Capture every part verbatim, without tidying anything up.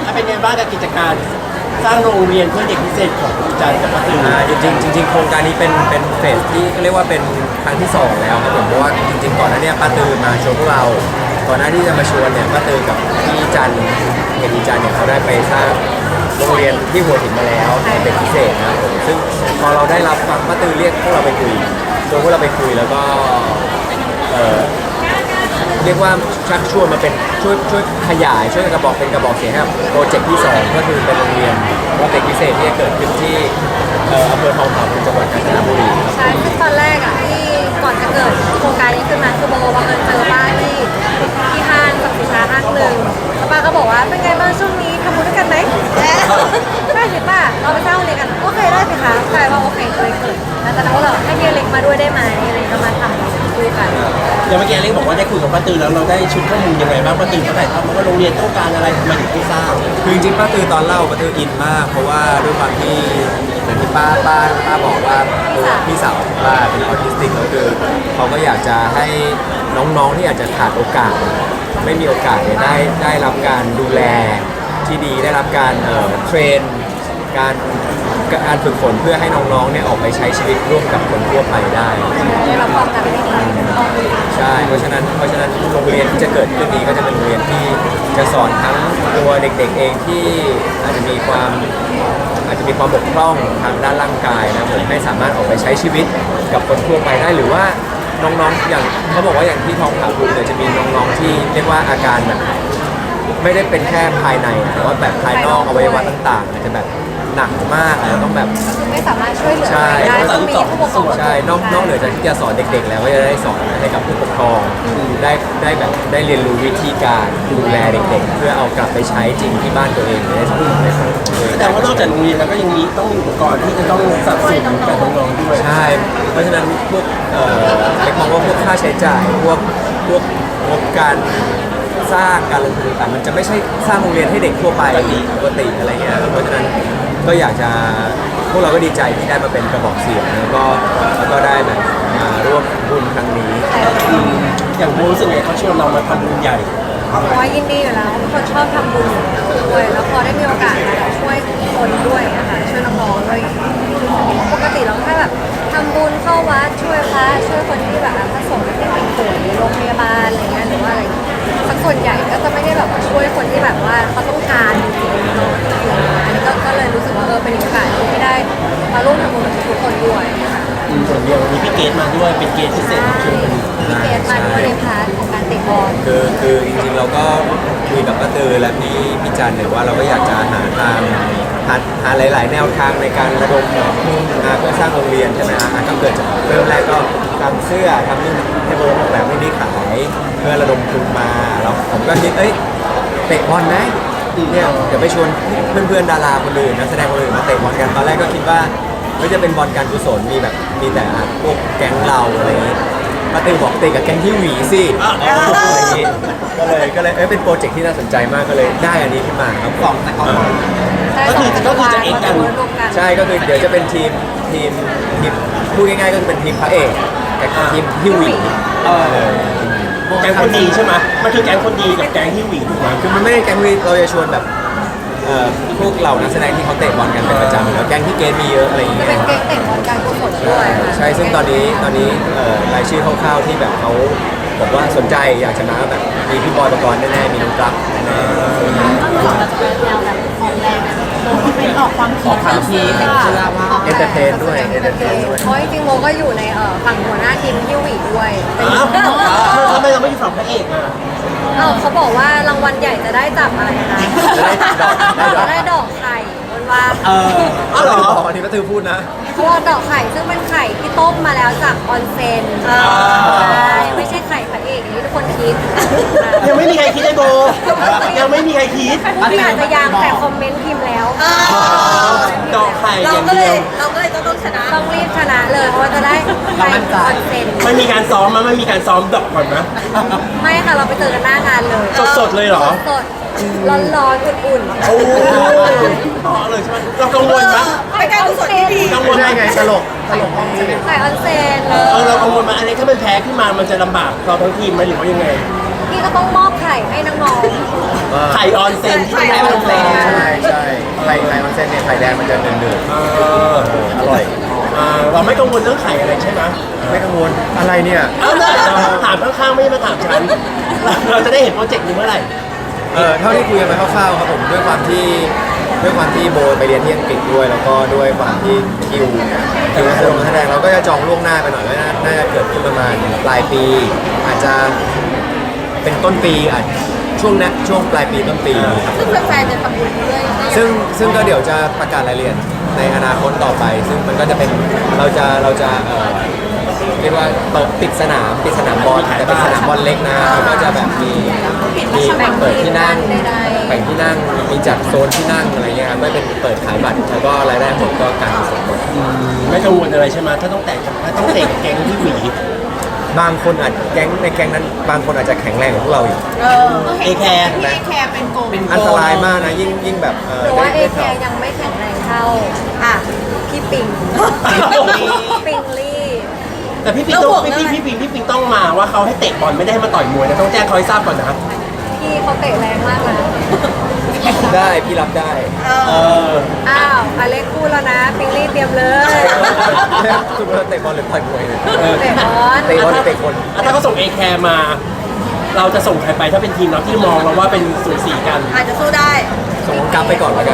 ถ้าเป็นไงบ้างกับกิจการสร้างโรงเรียนเพื่อเด็กพิเศษของอาจารย์กับป้าตืออ่าจริงๆจริงๆโครงการนี้เป็นเป็นเฟสที่เรียกว่าเป็นครั้งที่สองแล้วครับผมเพราะว่าจริงๆก่อนหน้านี้ป้าตือมาชวนพวกเราก่อนหน้าที่จะมาชวนเนี่ยป้าตือกับพี่จันเห็นพี่จันเนี่ยเขาได้ไปสร้างโรงเรียนที่หัวหินมาแล้วให้เป็นพิเศษนะครับผมซึ่งพอเราได้รับฟังป้าตือเรียกพวกเราไปคุยชวนพวกเราไปคุยแล้วก็เอ่อเรียกว่าชักชวนมาเป็นช่วยช่วยขยายช่วยกระบอกเป็นกระบอกเสียงให้กับโปรเจกต์ที่สองก็คือเป็นโรงเรียนโปรเจกต์พิเศษที่จะเกิดขึ้นที่เอ่ออำเภอทองผาภูมิจังหวัดกาญจนบุรีใช่คือตอนแรกอ่ะที่ก่อนจะเกิดโครงการนี้ขึ้นมาคือโบบังเอิญเจอป้าที่ที่ห้างสรรพสินค้าห้างหนึ่งแล้วป้าก็บอกว่าเป็นไงบ้างช่วงนี้ทำบุญด้วยกันไหมได้สิป้าเราไปสร้างโรงเรียนกันโอเคได้สิคะกลายว่าโอเคเลยเกิดแล้วตอนนั้นก็เลยให้เฮียเล็กมาด้วยได้ไหมอะไรก็มาทำคุยกันอย่างเมื่อกี้เล็กบอกว่าได้คุยกับป้าตือแล้วเราได้ชุดข้อมูลยังไงบ้างป้าตือเขาถ่ายทำมาว่าโรงเรียนต้องการอะไรทำไมถึงไม่สร้างคือจริงๆป้าตือตอนเล่าป้าตืออินมาก เพราะว่าด้วยความที่อย่างที่ป้าป้าป้าบอกว่าตัวพี่สาวของป้าเป็นออทิสติกแล้วคือเขาก็อยากจะให้น้องๆที่อาจจะขาดโอกาส ไม่มีโอกาสเนี่ยได้ได้รับการดูแลที่ดีได้รับการเอ่อเทรนการการฝึกฝนเพื่อให้น้องๆเนี่ยออกไปใช้ชีวิตร่วมกับคนทั่วไปได้ได้รับความกันได้ดีต้องดีใช่ เพราะฉะนั้น เพราะฉะนั้นโรงเรียนที่จะเกิดขึ้นนี้ก็จะเป็นโรงเรียนที่จะสอนทั้งตัวเด็กๆเองที่อาจจะมีความอาจจะมีความบกพร่องทางด้านร่างกายนะผมให้สามารถออกไปใช้ชีวิตกับคนทั่วไปได้หรือว่าน้องๆอย่างเขาบอกว่าอย่างที่ทองผาภูมิเนี่ยจะมีน้องๆที่เรียกว่าอาการแบบไม่ได้เป็นแค่ภายในแต่ว่าแบบภายนอกอวัยวะต่างๆอาจจะแบบหนักมากแล้วต้องแบบก็คือไม่สามารถช่วยเหลือใช่ใครได้ต้องมีผู้ปกครองใช่นอกนอกเหนือจากที่จะสอนเด็กๆ แล้วก็จะได้สอนให้กับผู้ปกครองได้ได้แบบได้เรียนรู้วิธีการดูแลเด็กๆ เพื่อเอากลับไปใช้จริงที่บ้านตัวเองได้สอนได้สอนแสดงว่านอกจากโรงเรียนแล้วก็ยังมีต้องมีอุปกรณ์ที่จะต้องสนับสนุนกับน้องๆด้วยใช่ เพราะฉะนั้นพวกเอ่อเล็กมองว่าพวกค่าใช้จ่ายพวกพวกงบการสร้างการลงทุนต่างๆมันจะไม่ใช่สร้างโรงเรียนให้เด็กทั่วไปปกติอะไรเงี้ยเพราะฉะนั้นก็อยากจะพวกเราก็ดีใจที่ได้มาเป็นกระบอกเสียงแล้วก็แล้วก็ได้แบบมาร่วมบุญครั้งนี้อืมอย่างโบรู้สึกไงเขาชวนเรามาทำบุญใหญ่เพราะว่ายินดีอยู่แล้วเป็นคนชอบทำบุญด้วยแล้วพอได้มีโอกาสมาแบบช่วยคนด้วยนะคะช่วยน้องๆด้วยปกติเราแค่แบบทำบุญเข้าวัดช่วยพระช่วยคนที่แบบพระสงฆ์ที่เป็นป่วยในโรงพยาบาลอะไรเงี้ยหรือว่าอะไรสักส่วนใหญ่ก็จะไม่ได้แบบว่าช่วยคนที่แบบว่าเขาต้องการจริงๆเนาะอันนี้ก็ก็เลยรู้สึกว่าเออเป็นโอกาสที่ได้มาร่วมทำบุญกับทุกคนด้วยค่ะอืมส่วนเดียววันนี้พี่เกดมาด้วยเป็นเกดพิเศษรับเชิญพี่เกดมาด้วยในพาร์ทของการเตะบอลคือคือจริงๆเราก็คุยกับป้าตือและพี่พี่จันเนี่ยว่าเราก็อยากจะหาทางหาหาหลาย ๆ แนวทางในการระดมทุนมาเพื่อสร้างโรงเรียนใช่ไหมฮะอ่ะก็เกิดจากเริ่มแรกก็ทำเสื้อทำนี่ให้โบออกแบบให้นี่ขายเพื่อระดมทุนมาแล้วผมก็คิดเอ้ยเตะบอลไหมเนี่ยเดี๋ยวไปชวนเพื่อนๆดาราคนอื่นนักแสดงคนอื่นมาเตะบอลกันตอนแรกก็คิดว่าไม่จะเป็นบอลการกุศลมีแบบมีแต่อ่ะพวกแก๊งเราอะไรอย่างงี้ป้าตือบอกเตะกับแก๊งที่หวีสิอะไรอย่างงี้ก็เลยก็เลยเอ้ยเป็นโปรเจกต์ที่น่าสนใจมากก็เลยได้อันนี้ขึ้นมาครับสองแต่ก่อนก็คือก็คือจะเอกกันใช่ก็คือเดี๋ยวจะเป็นทีมทีมทีมพูดง่ายๆก็คือเป็นทีมพระเอกกับทีมฮิวหวีเออแก๊งคนดีใช่ไหมมันคือแก๊งคนดีกับแก๊งที่หวีถูกไหมคือมันไม่ได้แก๊งฮิวหวีเราจะชวนแบบเอ่อพวกเรานักแสดงที่เขาเตะบอลกันเป็นประจำแล้วแก๊งที่เกมมีเยอะอะไรอย่างจะเงี้ยเป็นเกมเตะบอลการกุศลด้วยค่ะใช่ซึ่งตอนนี้ตอนนี้เอ่อรายชื่อคร่าวๆที่แบบเขาบอกว่าสนใจอยากจะมาแบบมีพี่บอยประกรณ์แน่ๆมีน้องกรัฟแน่ๆเราจะเป็นแนวแบบออกแรงเป็นออกความคิดออกความคิดเอนเตอร์เทนด้วยเอนเตอร์เทนด้วยเพราะจริงๆโมก็อยู่ในเอ่อฝั่งหัวหน้าทีมฮิวหวีด้วยเป็นอ้าวทำไมเราไม่อยู่ฝั่งพระเอกอ่ะเอ้าเขาบอกว่ารางวัลใหญ่จะได้จับอะไรนะจะได้ดอกได้ดอกจะได้ดอกไข่บนว่าเอออ๋อเหรออันนี้ป้าตือพูดนะเพราะว่าดอกไข่ซึ่งเป็นไข่ที่ต้มมาแล้วจากออนเซ็นใช่ไม่ใช่ไข่พระเอกอย่างที่ทุกคนคิดยังไม่มีใครคิดไอ้โบยังไม่มีใครคิดพี่อาจจะยังแต่คอมเมนต์พิมพ์แล้วดอกไข่อเราย่างก็เลเดียยว เราก็เลยต้องชนะต้องรีบชนะเลยเพราะว่าจะได้ไข่ออนเซ็นไม่มีการซ้อมมั้ยไม่มีการซ้อมดอกก่อนนะไม่ค่ะเราไปเจอกันหน้างานเลยสดๆเลยเหรอสดๆร้อนๆอุ่นๆโอ้ต่อเลยใช่ไหมเรากังวลไหมไปการกุศลที่ดีกังวลไม่ไหมใช่ไงตลกตลกห้องนี้ไข่ออนเซนเลเออย เรากังวลไหมอันนี้ถ้ามันแพ้ขึ้นมามันจะลำบากเราทั้งทีมไหมหรือว่ายังไงพี่ก็ต้องมอบไข่ให้น้องๆไข่ออนเซนที่ไม่ได้ออนเซนใช่ข่แดงมันจะเดือดเออๆอร่อยอ่าเราไม่กังวลเรื่องไข่อะไรใช่ไหมไม่กังวลอะไรเนี่ยเอาเลยถามข้างๆไม่ได้มาถามฉันเราจะได้เห็นโปรเจกต์นี้เมื่อไหร่เออเท่าที่คุยกันไปคร่าวๆครับผมด้วยความที่ด้วยความที่โบไปเรียนที่อังกฤษด้วย แล้วก็ด้วยความที่คิวคิวนักแสดงเราก็จะจองล่วงหน้าไปหน่อยก็น่าจะเกิดขึ้นประมาณปลายปี อาจจะเป็นต้นปีอาจช่วงนี้ช่วงปลายปีต้นปีครับซึ่งแฟนๆจะทำบุญด้วยซึ่งซึ่งก็เดี๋ยวจะประกาศรายละเอียดในอนาคตต่อไป ซึ่งมันก็จะเป็นเราจะเราจะเอ่อเรียกว่าเปิดปิดสนามปิดสนามบอลแต่เป็นสนามบอลเล็กนะแล้วก็จะแบบมีมีเปิดที่นั่งแบ่งที่นั่งมีจัดโซนที่นั่งอะไรเงี้ยครับไม่เป็นเปิดขายบัตรแล้วก็รายได้หมดก็การกุศลหมดไม่กังวลอะไรใช่ไหมถ้าต้องแตกถ้าต้องเตะแกงที่หวีบางคนอาจแก๊งในแก๊งนั้นบางคนอาจจะแข็งแรงกว่าพวกเราอีกเออเอแคร์พี่แคร์เป็นโกงอันตรายมากนะยิ่งยิ่งแบบเออหรือว่าเอได้แคร์ยังไม่แข็งแรงเท่าอ่ะพี่ปิงปิงลี่แต่พี่ปิงต้องพี่พี่พี่ปิงพี่ปิงต้องมาว่าเขาให้เตะบอลไม่ได้ให้มาต่อยมวยนะต้องแจ้งเขาให้ทราบก่อนนะพี่เขาเตะแรงมากนะได้พี่รับได้เอออ้าวอเล็กพูดแล้วนะปิงลี่เตรียมเลยคุณว่าเตะบอลหรือต่อยมวยเนี่ยเออเตะบอลเตะบอลหรือเตะคนถ้าเขาส่งเอแคร์มา เราจะส่งใครไปถ้าเป็นทีมเราที่มองเราว่าเป็นสูสีกันอาจจะสู้ได้ส่งน้องกัฟไปก่อนแล้วกัน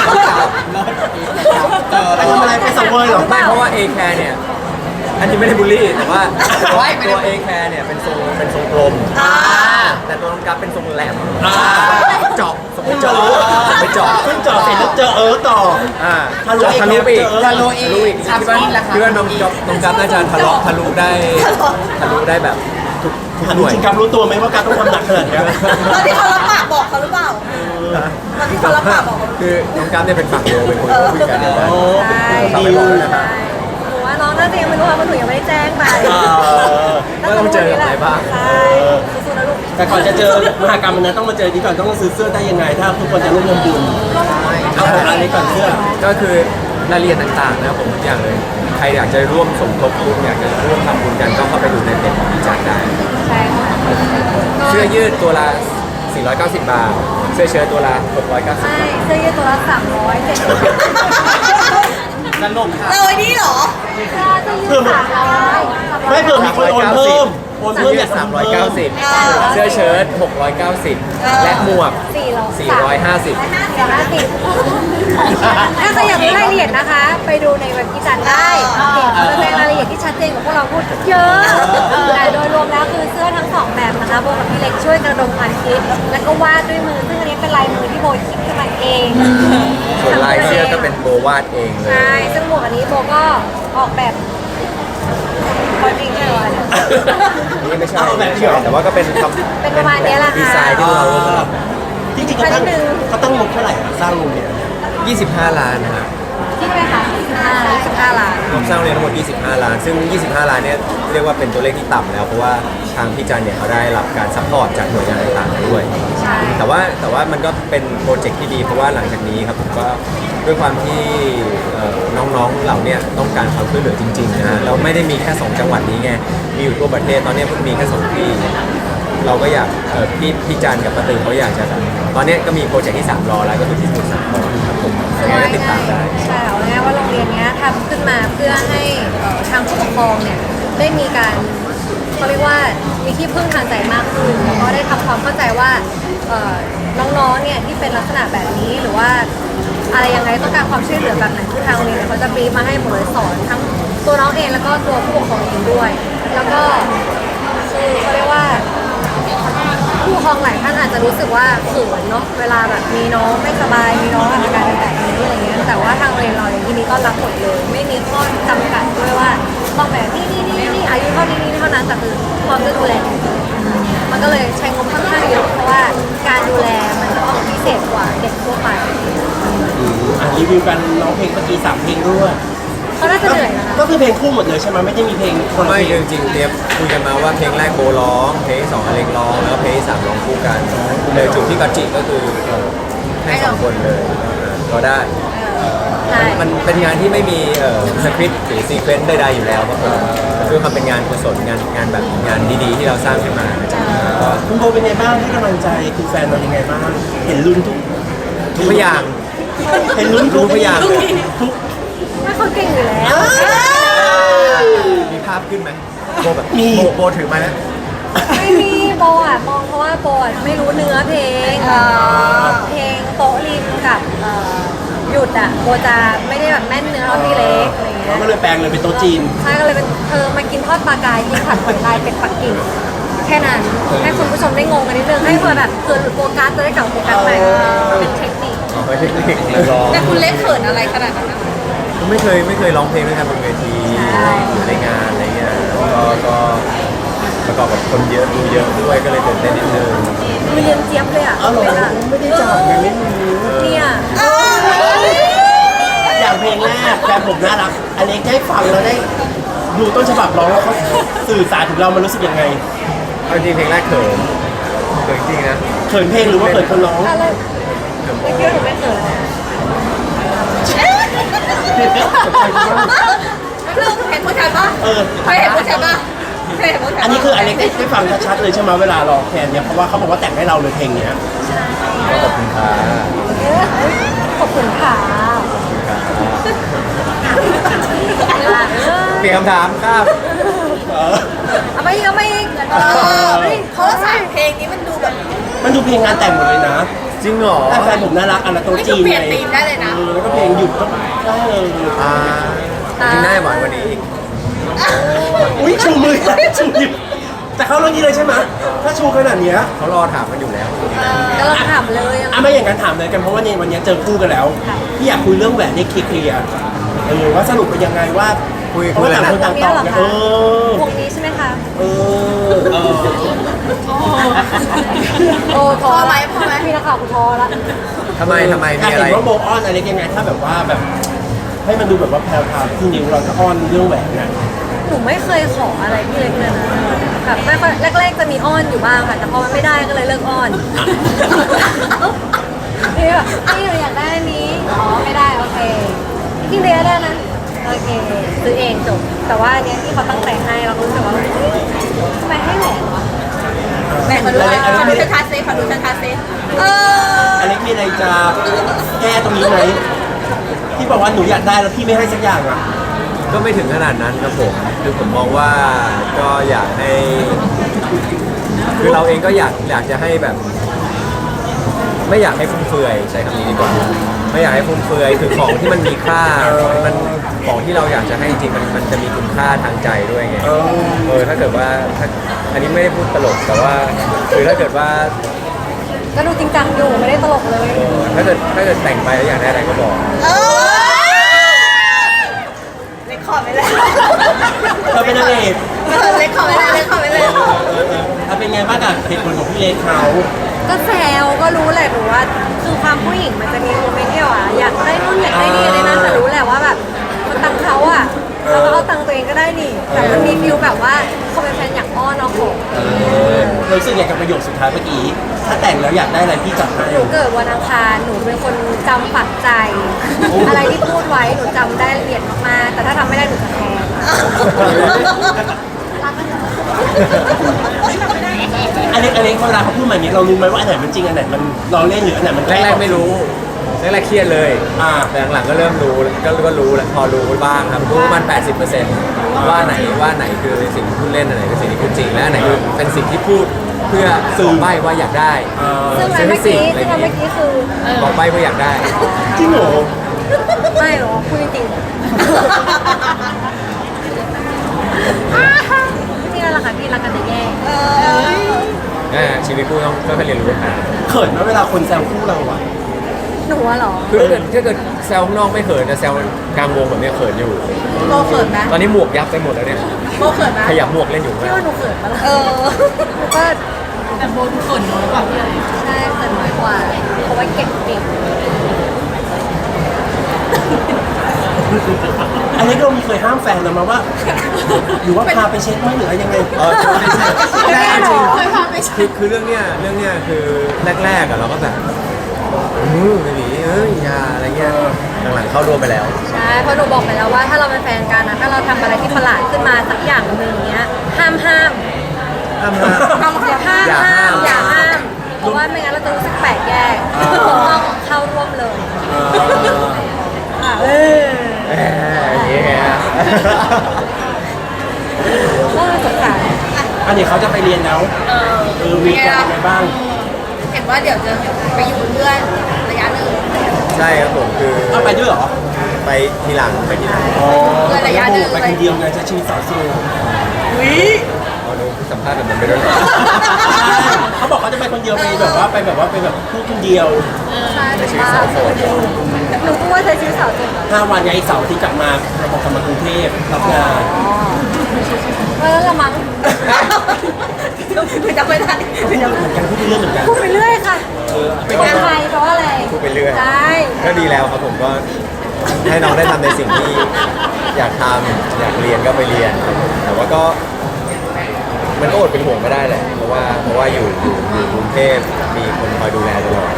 ไปทำอะไรไปสังเวยเหรอไม่เพราะว่า A care เนี่ย อันนี้ไม่ได้บูลลี่แต่ว่าตัว A care เนี่ยเป็นทรงเป็นทรงกลมอ่าแต่ตัวน้องกัฟเป็นทรงแหลมอ่าเจาะทรงไปเจาะไปเจาะขึ้นจอดเสร็จแล้วเจอเออต่ออ่าทะลุทะลุไปอีกทะลุอีกทะลุอีกคิดว่าคิดว่าน้องกัฟน้องกัฟน่าจะทะลุทะลุได้ทะลุได้แบบทุกทุกถามหน่วยจริงๆครับรู้ตัวไหมว่าการต้องทำหนักขนาดนี้ตอนที่เขารับปากบอกเขาหรือเปล่า ตอนที่เขารับปากบอกเขาคือน้องกัฟเนี่ยเป็นฝั่งเดียวเป็นคนคุยกันอยู่แล้วโอ้ใช่ฝากไปบอกด้วยนะครับหนูว่าน้องน่าจะยังไม่รู้ค่ะเพราะหนูยังไม่ได้แจ้งไปว่าต้องเจออะไรบ้างใช่สู้ๆนะลูกแต่ก่อนจะเจอมหากรรมมันนั้นต้องมาเจอที่ก่อนต้องซื้อเสื้อได้ยังไง ถ้าทุกคนจะร่วมทำบุญเอาอันนี้ก่อนเสื้อก็คือรายละเอียดต่างๆนะครับผมทุกอย่างเลย ใครอยากจะร่วมสมทบทุนอยากจะร่วมทำบุญกันก็เข้าไปดูในเพจของพี่จันได้ใช่ค่ะเสื้อยืดตัวละ สี่ร้อยเก้าสิบ บาท เสื้อเชิ้ตตัวละ หกร้อยเก้าสิบใช่เสื้อยืดตัวละสามร้อยเจ็ดสิบสนุกค่ะเลยนี่เหรอเสื้อยืดสามร้อยไม่เผื่อมีคนโอนเพิ่มโอนเสื้เพิ่อมยือดยากสามทำร้อยเพิ่เก้าม สิบ เสื้อเชิ้ตหกร้อยเก้าสิบ และหมวกสี่ร้อยสี่ร้อยห้าสิบสี่ร้อยห้าสิบถ้าใครอยากรู้รายละเอียดนะคะ ไปดูในเว็บพี่จันได้เพจจะแสดงรายละเอียดที่ชัดเจนกว่าพวกเราพูดเยอะแต่โดยรวมแล้วคือเสื้อทั้งสองแบบนะคะโบกับพี่เล็กช่วยกระดมความคิด แล้วก็วาดด้วยมือ ซึ่งอันนี้เป็นลายมือที่โบคิดขึ้นมาเองส่วนลายเสื้อก็เป็นโบวาดเองเลยใช่ ซึ่งหมวกอันนี้โบก็ออกแบบคอนจริงใช่ไหมนี่ไม่ใช่ไม่ใช่แต่ว่าก็เป็นทำเป็นประมาณเนี้ยแหละค่ะดีไซน์ที่เราร่วมกันจริงๆเขาตั้งเขาตั้งงบเท่าไหร่อะสร้างโรงเรียนยี่สิบห้าล้านนะครับที่ไหมคะสิบห้าสิบห้าล้านงบสร้างโรงเรียนทั้งหมดยี่สิบห้าล้าน ซึ่ง ยี่สิบห้า ล้านเนี่ยเรียกว่าเป็นตัวเลขที่ต่ำแล้ว เพราะว่าทางพี่จันเนี่ยเขาได้รับการซัพพอร์ตจากหน่วยงานต่างๆด้วยใช่แต่ว่าแต่ว่ามันก็เป็นโปรเจกต์ที่ดีเพราะว่าหลังจากนี้ครับผมก็ด้วยความที่เอ่อน้องๆเหล่าเนี่ยต้องการความช่วยเหลือจริงๆนะฮะแล้วไม่ได้มีแค่สองจังหวัดนี้ไงมีอยู่ทั่วประเทศตอนนี้เพิ่งมีแค่สองที่เราก็อยากเอ่อพี่พี่จันกับป้าตือเขาอยากจะแบบตอนนี้ก็มีโปรเจกต์ที่สามรอแล้วก็คือที่สมุทรสาครครับผมคือยังไงว่าก็ติดตามได้ใช่เอาง่ายๆว่าโรงเรียนเนี้ยทำขึ้นมาเพื่อให้เอ่อทางผู้ปกครองเนี่ยได้มีการเขาเรียกว่ามีที่พึ่งทางใจมากขึ้นแล้วก็ได้ทำความเข้าใจว่าเอ่อน้องๆเนี่ยที่เป็นลักษณะแบบนี้หรือว่าอะไรยังไงต้องการความช่วยเหลือแบบไหนคือทางโรงเรียนเนี่ยเขาจะบรีฟมาให้หมดเลยสอนทั้งตัวน้องเองแล้วก็ตัวผู้ปกครองเองด้วย แล้วก็คือเขาเรียกว่า ผู้ปกครองหลายท่านอาจจะรู้สึกว่าเขินเนาะเวลาแบบมีน้องไม่สบายมีน้องอาการแบบนี้อะไรเงี้ยแต่ว่าทางโรงเรียนเราเนี่ยที่นี้ก็รับหมดเลย ไม่มีข้อจำกัดด้วยว่าต้องแบบนี่นี่นี่นี่อายุเท่านี้นี่เท่านั้นแต่คือพร้อมจะดูแลมันก็เลยใช้งบค่อนข้างเยอะเพราะว่าการดูแลมันจะต้องพิเศษกว่าเด็กทั่วไปอ่ะรีวิวกันร้องเพลงเมื่อกี้สามเพลงด้วยเขาน่าจะเหนื่อยนะคะก็คือเพลงคู่หมดเลยใช่ไหมไม่ได้มีเพลงคนละไม่เพลงจริงๆเตรียมคุยกันมาว่าเพลงแรกโบร้อง เพลงที่สองอเล็กร้อง แล้วก็เพลงที่สามร้องคู่กันเลยจุดที่กัจจิก็คือเอ่อให้สองคนเลยก็ได้ใช่มันเป็นงานที่ไม่มีเอ่อสคริปต์หรือซีเควนต์ใดๆอยู่แล้วครับผมคือมันเป็นงานกุศลงานงานแบบงานดีๆ ที่เราสร้างขึ้นมาก็คุณโบเป็นไงบ้างให้กำลังใจคุณแฟนเรายังไงบ้างเห็นลุ้นทุกทุกอย่างเห็นลุ้นรู้พยางค์ทุกไม่เขาเก่งอยู่แล้วมีภาพขึ้นไหมโบแบบมีโบโบถือมาแล้วไม่มีโบอ่ะมองเพราะว่าโบอ่ะไม่รู้เนื้อเพลงเพลงโต๊ะริมกับเอ่อหยุดอ่ะโบจะไม่ได้แบบแม่นเนื้อเท่าพี่เล็กอะไรเงี้เรายก็เลยแปลงเลยเป็นโต๊ะจีนใช่ก็เลยเป็นเธอมากินทอดปลากายกินผัดหอยลายเป็ดปักกิ่งแค่นั้นให้คุณผู้ชมได้งงกันนิดนึงให้เพื่อแบบเกิดโฟกัสจะได้กลับโฟกัสใหม่เป็นเทคนิคอ๋อไม่ใช่เด็กนักร้องแต่คุณเล็กเขินอะไรขนาดนั้นนะไม่เคยไม่เคยร้องเพลงด้วยกันบนเวทีอยู่ในงานอะไรเงี้ยก็ก็ประกอบกับคนเยอะดูเยอะด้วยก็เลยตื่นเต้นนิดนึงมีเรียนเจี๊ยบเลยอ่ะเอาหรอเป็นอ่ะไม่ได้จับไงไม่มีเนี่ยอย่างเพลงแรกแฟนผมน่ารักอันนี้ได้ฟังแล้วได้ดูต้นฉบับร้องแล้วเขาสื่อสารถึงเรามันรู้สึกยังไงเอาจริงเพลงแรกเขินเขินจริงนะเขินเพลงหรือว่าเขินคนร้องอะไรไม่คิดว่าหนูไม่เกิดลูกเห็นผู้ชายปะเออเคยเห็นผู้ชายปะเคยเห็นผู้ชายปะอันนี้คืออเล็กได้ได้ฟังชัดๆเลยใช่ไหมเวลาร้องแคนเนี่ยเพราะว่าเขาบอกว่าแต่งให้เราเลยเพลงเนี้ยก็ขอบคุณค่ะขอบคุณค่ะเปลี่ยนคำถามครับเออเอาไม่เอาไม่เออเพราะว่าสายเพลงนี้มันดูแบบมันดูเพลงงานแต่งหมดเลยนะจริงเหรอแต่แฟนผมน่ารักอันละโต๊ะนี่จีคือน เปลี่ยนไงธีมได้เลยนะเออแล้วก็เพลงหยุดก็ได้เลยอ่าจริงได้หวานกว่านี้อีกอุ้ยชูมือชูนิ้วแต่เขาเรื่องนี้เลยใช่ไหมถ้าชูขนาดเนี้ยเขารอถามกันอยู่แล้วก็เราถามเลยอ่ะไม่อย่างนั้นถามเลยกันเพราะว่าเนี่ยวันนี้เจอคู่กันแล้วพี่อยากคุยเรื่องแหวนให้เคลียร์ๆเออว่าสรุปเป็นยังไงว่าคุยเพราะว่าต่างคนต่างตอบไงเออวงนี้ใช่ไหมคะเออเออโอ้ท้อพอไหมพอไหมพี่นักข่าวกูท้อละทำไมทำไมอยามีกอะไรเห็นว่าโบอ้อนอะไรยังไงถ้าแบบว่าแบบ ให้มันดูแบบว่าแพรวๆที่นิ้วเราจะอ้อนเรื่องแหวนเนี่ยหนูไม่เคยขออะไรพี่เล็กเลยนะแบบไม่ค่อยแรกๆจะมีอ้อนอยู่บ้างค่ะแต่พอมันไม่ได้ก็เลยเลิกอ้อนนี่แบบพี่หนูอยากได้อันนี้อ๋อไม่ได้โอเคพี่เลี้ยได้นะโอเคซื้อเองจบแต่ว่าอันเนี้ยที่เขาตั้งใจให้เรารู้สึกว่าเฮ้ยทำไมให้แหวนวะแบ่งมาดูขอดูชัดๆซิขอดูชัดๆซิเอออันนี้มีอะไรจะแก้ตรงนี้ไหมที่บอกว่าหนูอยากได้แล้วพี่ไม่ให้สักอย่างอ่ะก็ไม่ถึงขนาดนั้นครับผมคือผมมองว่าก็อยากให้ คือเราเองก็อยากอยากจะให้แบบ ไม่อยากให้ฟุ่มเฟือยใช้คำนี้ดีกว่าไม่อยากให้ฟุ่มเฟือยคือของที่มันมีค่าของที่มันของที่เราอยากจะให้จริงๆมันมันจะมีคุณค่าทางใจด้วยไงเออเออถ้าเกิดว่าถ้าอันนี้ไม่ได้พูดตลกแต่ว่าคือถ้าเกิดว่าก็ดูจริงจังอยู่ไม่ได้ตลกเลยเออถ้าเกิดถ้าเกิดแต่งไปแล้วอยากได้อะไรก็บอกเออเล็กขอไปเลยเราเป็นนางเอกเล็กขอไปเลยเล็กขอไปเลยถ้าเป็นไงบ้างกับเหตุผลของพี่เล็กเขาก็แซวก็รู้แหละหนูว่าคือความผู้หญิงมันจะมีโมเมนต์ที่ว่าอยากได้นู่นอยากได้นี่อะไรนั่นแต่รู้แหละว่าแบบมันตังค์เขาอ่ะเขาก็เอาตังค์ตัวเองก็ได้นี่แต่มันมีฟิลแบบว่าเขาเป็นแฟนอยากอ้อนเอาของเรารู้สึกอยากกับประโยคสุดท้ายเมื่อกี้ ถ้าแต่งแล้วอยากได้อะไรพี่จัดให้หนูเกิดวันอังคารหนูเป็นคนจำฝังใจ อะไรที่พูดไว้หนูจำได้ละเอียดมากๆแต่ถ้าทำไม่ได้หนูจะแทงรักกันเหรออันนี้อันนี้เวลาเขาพูดมาอย่างนี้เรารู้ไหมว่าอันไหนมันจริงอันไหนมันเราเล่นหรืออันไหนมันแรกๆไม่รู้แรกๆเครียดเลยอ่าแต่หลังๆก็เริ่มรู้ก็ก็รู้แล้วพอรู้บ้างครับรู้ประมัน แปดสิบเปอร์เซ็นต์ ว่าไหนว่าไหนคือสิ่งที่พูดเล่นอันไหนคือสิ่งที่พูดจริงและอันไหนคือเป็นสิ่งที่พูดเพื่อสื่อใบว่าอยากได้เออซึ่งอันเมื่อกี้ซึ่งอันเมื่อกี้คือบอกใบว่าอยากได้จริงเหรอไม่หรอพูดจริงๆนี่แหละค่ะพี่รักกันแต่แย่อ่าชีวิตคู่ต้องค่อยๆเรียนรู้กันเขินไหมเวลาคนแซวคู่เราอะหนูอะเหรอคือถ้าเกิดถ้าเกิดแซวข้างนอกไม่เขินแต่แซวกลางวงแบบเนี้ยเขินอยู่โบเขินไหมตอนนี้หมวกยับไปหมดแล้วเนี่ยโบเขินไหมขยับหมวกเล่นอยู่พี่ว่าหนูเขินปะล่ะเออหนูก็แต่โบดูเขินน้อยกว่าพี่อะไรใช่เขินน้อยกว่าเพราะว่าเก็บเก่งอันนี้เรามีเคยห้ามแฟนเรามาว่า หรือว่าพาไปเช็คไหมหรืออะไรยังไงเออไม่ใช่แต่จริงเคยพาไปเช็คือคคือเรื่องเนี้ยเรื่องเนี้ยคือแรกๆอะเราก็แบบอืมไม่ดีเอ้ยอยาอะไรเงี้ยหลังๆเข้าร่วมไปแล้วใช่เพราะหนูบอกไปแล้วว่าถ้าเราเป็นแฟนกันนะถ้าเราทำอะไรที่ประหลาดขึ้นมาสักอย่างหนึ่งเนี้ยห้ามห้ามห้ามห้ามอย่าห้ามอย่าห้าห้าม มอย่าห้ามเอราะว่าไม่งั้นเราจะรู้สึกแปลกแยกต้องเข้าร่วมเลยเออค่ะเออแหมอย่างเงี้ยก็สงสารอันนี้เขาจะไปเรียนแล้วเออเออวีกันยังไงบ้างเห็นว่าเดี๋ยวจะไปอยู่เพื่อนระยะหนึ่งใช่ครับผมคือเอาไปด้วยเหรอไปทีหลังไปทีหลังอ๋อเพื่อนระยะหนึ่งไปคนเดียวไงใช้ชีวิตสาวโสดวิเอาดูสัมภาษณ์แบบนั้นไปด้วยเขาบอกเขาจะไปคนเดียวไปแบบว่าไปแบบว่าไปแบบพูดคนเดียวใช่ในชีวิตสาวโสดหนูก็ว่าใช้ชีวิตสาวโสดห้าวันไงเสาร์ที่กลับมาเราบอกกลับมากรุงเทพรับงานเออละมั้งไม่จำไม่ได้ไม่จำเหมือนกันพูดเรื่องเหมือนกันพูดไปเรื่อยค่ะเออคนไทยแปลว่าอะไรพูดไปเรื่อยได้ก็ดีแล้วครับผมก็ให้น้องได้ทำในสิ่งที่อยากทำอยากเรียนก็ไปเรียนครับผมแต่ว่าก็มันก็อดเป็นห่วงไม่ได้แหละเพราะว่าเพราะว่าอยู่อยู่อยู่กรุงเทพมีคนคอยดูแลตลอด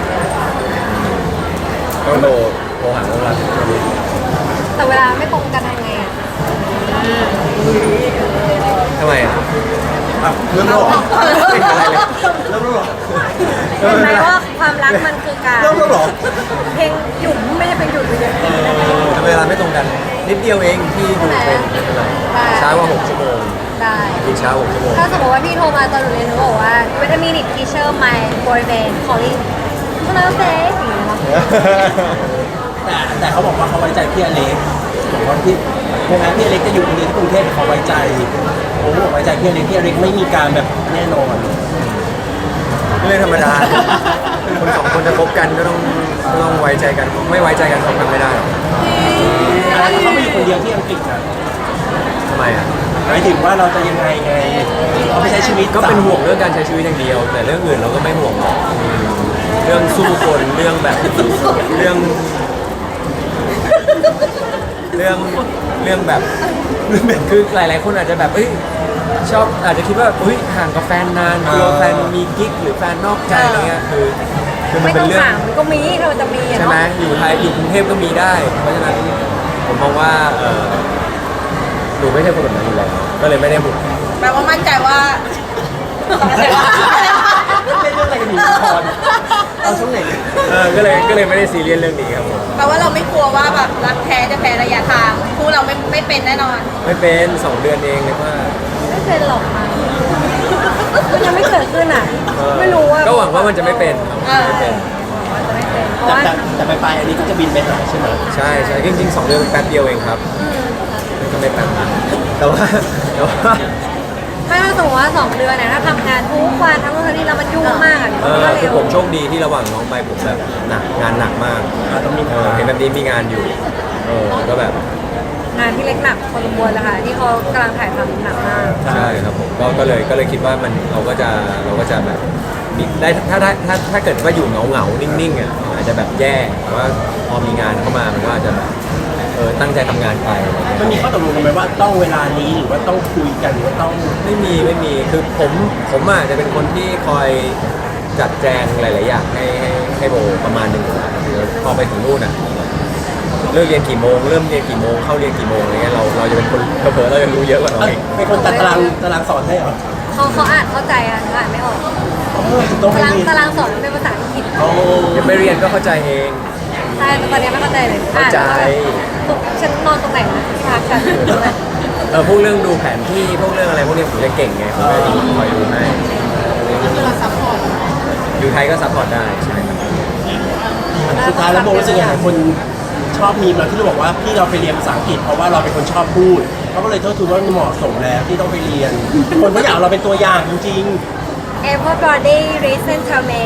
ก็โทรโทรหาน้องรักแต่เวลาไม่ตรงกันทำไงอ่ะทำไมอ่ะอ่ะเริ่มแล้วเหรอเป็นอะไรเลยเริ่มแล้วเหรอเห็นไหมว่าความรักมันคือการเริ่มแล้วเหรอเพลงหยุ่มไม่ใช่เป็นหยุดเลยแต่เวลาไม่ตรงกันนิดเดียวเองที่ดูเป็นไม่เป็นไรช้ากว่าหกชั่วโมงได้กินเช้าหกชั่วโมงถ้าสมมติว่าพี่โทรมาตอนหนูเรียนหนูบอกว่า wait a minute teacher my boyfriend calling คุณเอาเซ่อย่างนี้เนาะแต่แต่เขาบอกว่าเขาไว้ใจพี่อเล็กบอกว่าพี่แม้แม้พี่อเล็กจะอยู่เรียนที่กรุงเทพแต่เขาไว้ใจผมบอกไว้ใจพี่อเล็กพี่อเล็กไม่มีการแบบแน่นอนเรื่องธรรมดา คนสองคนจะคบกันก็ต้องก็ต้องไว้ใจกัน ไม่ไว้ใจกันคบกันไม่ได้หรอกแล้วถ้าเขาไม่อยู่คนเดียวที่อังกฤษนะทำไมอ่ะหมายถึงว่าเราจะยังไงไงเขาไม่ใช้ชีวิตก็เป็นห่วงเรื่องการใช้ชีวิตอย่างเดียว แต่เรื่องอื่นเราก็ไม่ห่วงหรอกอืมเรื่องสู้คนเรื่องแบบเรื่อง เรื่องเรื่องแบบคือหลาย ๆ คนอาจจะแบบเอ้ยชอบอาจจะคิดว่าเฮ้ยห่างกับแฟนนานกลัวแฟนมีกิ๊กหรือแฟนนอกใจอะไรเงี้ยคือคือมันไม่เป็ต้อน งเรื่องถามมันก็มีถ้ามันจะมีอะใช่เนาะไหมอยู่ไทยอยู่กรุงเทพก็มีได้ เพราะฉะนั้นผมมองว่าเออหนูไม่ใช่คนแบบนั้นอยู่แล้วก็เลยไม่ได้บุกแปลว่ามั่นใจว่าเล่นเรื่องอะไรกันอยู่ละครเอาช่วงไหนเออก็เลยก็เลยไม่ได้ซีเรียสเรื่องนี้ครับผมแปลว่าเราไม่กลัวว่าแบบรักแท้จะแพ้ระยะทางคู่เราไม่ไม่เป็นแน่นอนไม่เป็นสองเดือนเองเลยว่าไม่เป็นหรอกมันมันยังไม่เกิดขึ้นอ่ะเออไม่รู้ว่าก็หวังว่ามันจะไม่เป็นครับไม่เป็นว่าจะไม่เป็นเพราะแต่ว่าแต่แต่ไปไปอันนี้ก็จะบินไปหาใช่ไหมใช่ใช่จริงๆสองเดือนแป๊บเดียวเองครับก็ไม่แป๊บนะแต่ว่าแต่ว่าไม่ถ้าสมมติว่าสองเดือนเนี่ยถ้าทำงานทุกวันทั้งวันทั้งนี้แล้วมันยุ่งมากอ่ะเอมันอก็คืเร็อวผมโชคดีที่ระหว่างน้องไปผมแบบหนักงานหนักมากต้องมีเออเห็นแบบนี้มีงานอยู่เออก็แบบงานที่เล็กหนักพอสมควรเลยค่ะที่เขากำลังถ่ายทำหนักมากใช่ครับผมก็ก็เลยก็เลยคิดว่ามันเราก็จะเราก็จะแบบมีได้ถ้าถ้าถ้าถ้าเกิดว่าอยู่เหงาเหงาๆนิ่งๆอ่ะอาจจะแบบแย่แต่ว่าพอมีงานเข้ามามันก็อาจจะแบบเออตั้งใจทำงานไปอะไรเงี้ยมันมีข้อตกลงกันไหมว่าต้องเวลานี้หรือว่าต้องคุยกันหรือว่าต้องไม่มีไม่มีคือผมผมอ่ะจะเป็นคนที่คอยจัดแจงหลาย ๆ อย่างให้ให้ให้โบประมาณหนึ่งอยู่แล้วคือพอไปถึงนู่นอ่ะเลิกเรียนกี่โมงเริ่มเรียนกี่โมงเข้าเรียนกี่โมงอะไรเงี้ยเราเราจะเป็นคนเผลอๆเราจะรู้เยอะกว่าน้องเอ้ยอีกเป็นคนจัดตารางตารางสอนให้เหรอเขาเขาอ่านเข้าใจอ่ะหนูอ่านไม่ออกเออต้องให้ตารางเรียนตารางสอนมันเป็นภาษาอังกฤษโอ้ยังไม่เรียนก็เข้าใจเองใช่แต่ตอนนี้ไม่เข้าใจเลยเข้าใจอ่านแล้วแบบฉันนอนตรงไหนนะที่พักฉันตรงไหนเออพวกเรื่องดูแผนที่พวกเรื่องอะไรพวกนี้ผมจะเก่งไงผมจะคอยดูให้อยู่ไทยก็ซัพพอร์ตได้ใช่ครับสุดท้ายแล้วโบรู้สึกยังไงคนชอบมีมาที่เราบอกว่าพี่เราไปเรียนภาษาอังกฤษเพราะว่าเราเป็นคนชอบพูดเขาก็เลยโทษทูว่ามันเหมาะสมแล้วที่ต้องไปเรียน คนก็อยากเอาเราเป็นตัวอย่างจริง Everybody listen to me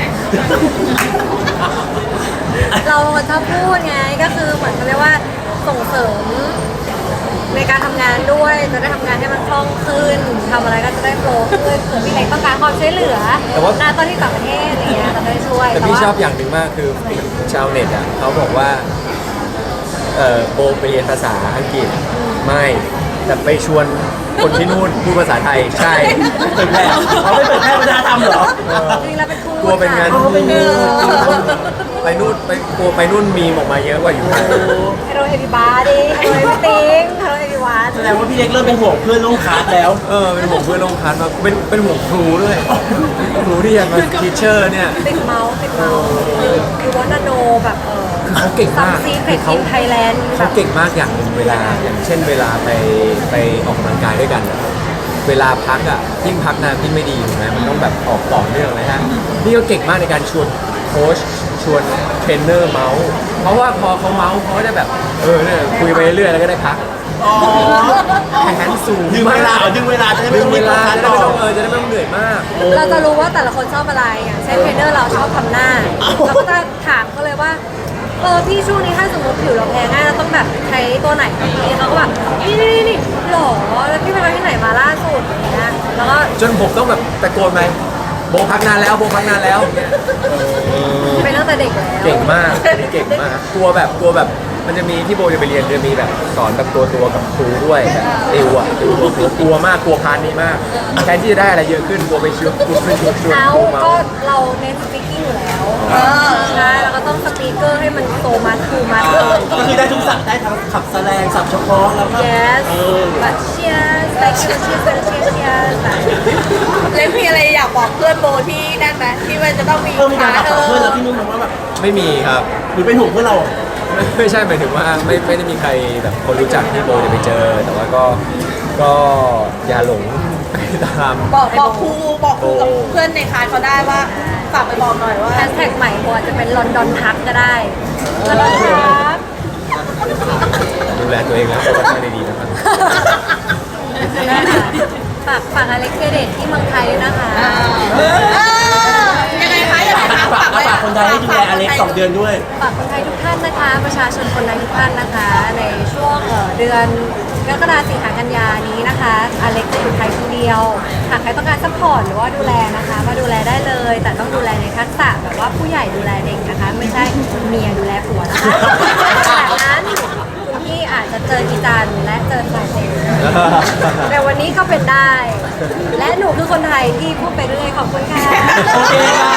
เราเป็นคนชอบพูดไงก็คือเหมือนเขาเรียกว่าส่งเสริมในการทำงานด้วยจะได้ทำงานให้มันคล่องขึ้นทำอะไรก็จะได้โฟล์ขึ้นเผื่อพี่เล็กต้องการความช่วยเหลือแต่ว่านะตอนที่ต่างประเทศอะไรเงี้ยเราจะได้ช่วยแต่พี่ว่าชอบอย่างหนึ่งมากคือชาวเน็ตอ่ะเขาบอกว่าเออโบไปเรียนภาษาอังกฤษไม่แต่ไปชวนคนที่นู่นพูดภาษาไทยใช่ๆเผยแพร่เขาไม่เผยแพร่วัฒนธรรมเหรอจริงๆเราเป็นครูกลัวเป็นงานค่ะเอาเป็นงานเออไปนู่นไปกลัวไปนู่นมีมออกมาเยอะกว่าอยู่ Hello everybody Hello everything Hello everyone แสดงว่าพี่เล็กเริ่มเป็นห่วงเพื่อนร่วมคลาสแล้วเออเป็นห่วงเพื่อนลงคลาสมาเป็นเป็นห่วงครูด้วยครูที่ยังมาทีเชอร์เนี่ยติดเมาส์ติดเมาส์คือว่านาโนแบบเออคือเขาเก่งซัมมากซีเฟรดอินไทยแลนด์แบเขาบเก่งมากอย่างหนึ่งเวลาอย่างเช่นเวลาไปไปออกกำลังกายด้วยกันอะเวลาพักอ่ะยิ่งพักนานยิ่งไม่ดีถูกไหมมันต้องแบบออกต่อเนื่องเลยฮะนี่ก็เก่งมากในการชวนโค้ชชวนเทรนเนอร์เมาส์เพราะว่าพอเขาเมาส์เขาก็จะแบบเออเนี่ยคุยไปเรื่อยๆแล้วก็ได้พักอ๋อแข่งขันสูงดึงเวลาเหรอดึงเวลาจะได้ไม่ดึต้อง งเวรีบลาคลาสจะได้ต่ไม่อต้องเออจะได้ไม่ต้องเหนื่อยมากเราจะรู้ว่าแต่ละคนชอบอะไรอย่างเช่นเทรนเนอร์เราชอบทำหน้าเราก็จะถามเขาเลยว่าเออพี่ช่วงนี้ถ้าสมมติผิวเราแพ้ง่ายเราต้องแบบใช้ตัวไหนดีเขาก็แบบนี่นี่นี่นี่หรอแล้วพี่ไปทำที่ไหนมาล่าสุดอย่างเงี้ยแล้วก็จนผมต้องแบบตะโกนไปโบพักนานแล้วโบพักนานแล้วเป็นตั้งแต่เด็กแล้วเก่งมากเก่งมากกลัวแบบกลัวแบบมันจะมีที่โบจะไปเรียนจะมีแบบสอนแบบตัวตัวกับครูด้วยแบบติวอ่ะติวตัวตัวกลัวมากกลัวพาร์ทนี้มากแทนที่จะได้อะไรเยอะขึ้นกลัวไปชวนกลัวไปชวนชวนเอาครูเมาก็เราเน้นสปีกิ้งอยู่แล้วใช่แล้วก็ต้องสปีกเกอร์ให้มันโตมาทูมาเก็คือได้ทุกสับได้ทั้งขับแสลงสับเฉพาะแล้วก็ yes เออ but cheers thank you cheers cheers cheers เล็กมีอะไรอยากบอกเพื่อนโบที่นั่นไหมที่มันจะต้องมีเพิ่มมีการขับเพื่อนแล้วพี่นุ่นมองว่าแบบไม่มีครับหรือเป็นห่วงเพื่อนเราไม่ไม่ใช่หมายถึงว่าไม่ไม่ได้มีใครแบบคนรู้จักที่โบจะไปเจอ แต่ว่าก็ก็อย่าหลงไปตามบอกบอกครูบอกครูกับเพื่อนในคลาสเขาได้ว่าฝากไปบอกหน่อยว่าแฮชแท็กใหม่โบอาจจะเป็นลอนดอนทักก็ได้ลอนดอนทักดูแลตัวเองแล้วก็ใช้ได้ดีนะครับฝากฝากอเล็กเทเดตที่เมืองไทยด้วยนะคะเออยังไงคะยังไงคะฝากฝากคนไทยให้ดูแลอเล็กสองเดือนด้วยฝากคนไทยทุกท่านนะคะ ประชาชนคนไทยทุกท่านนะคะ ในช่วงเอ่อเดือนกรกฎาคมสิงหากันยานี้นะคะอเล็กจะอยู่ไทยคนเดียวหากใครต้องการซัพพอร์ตหรือว่าดูแลนะคะ มาดูแลได้เลย แต่ต้องดูแลในทักษะแบบว่าผู้ใหญ่ดูแลเด็กนะคะ ไม่ใช่เมียดูแลผัวนะคะแบบนั้นคุณพี่อาจจะเจออีจันและเจอไทยเองแต่วันนี้ก็เป็นได้ และหนูคือคนไทยที่พูดไปเรื่อยขอบคุณค่ะโอเคค่ะ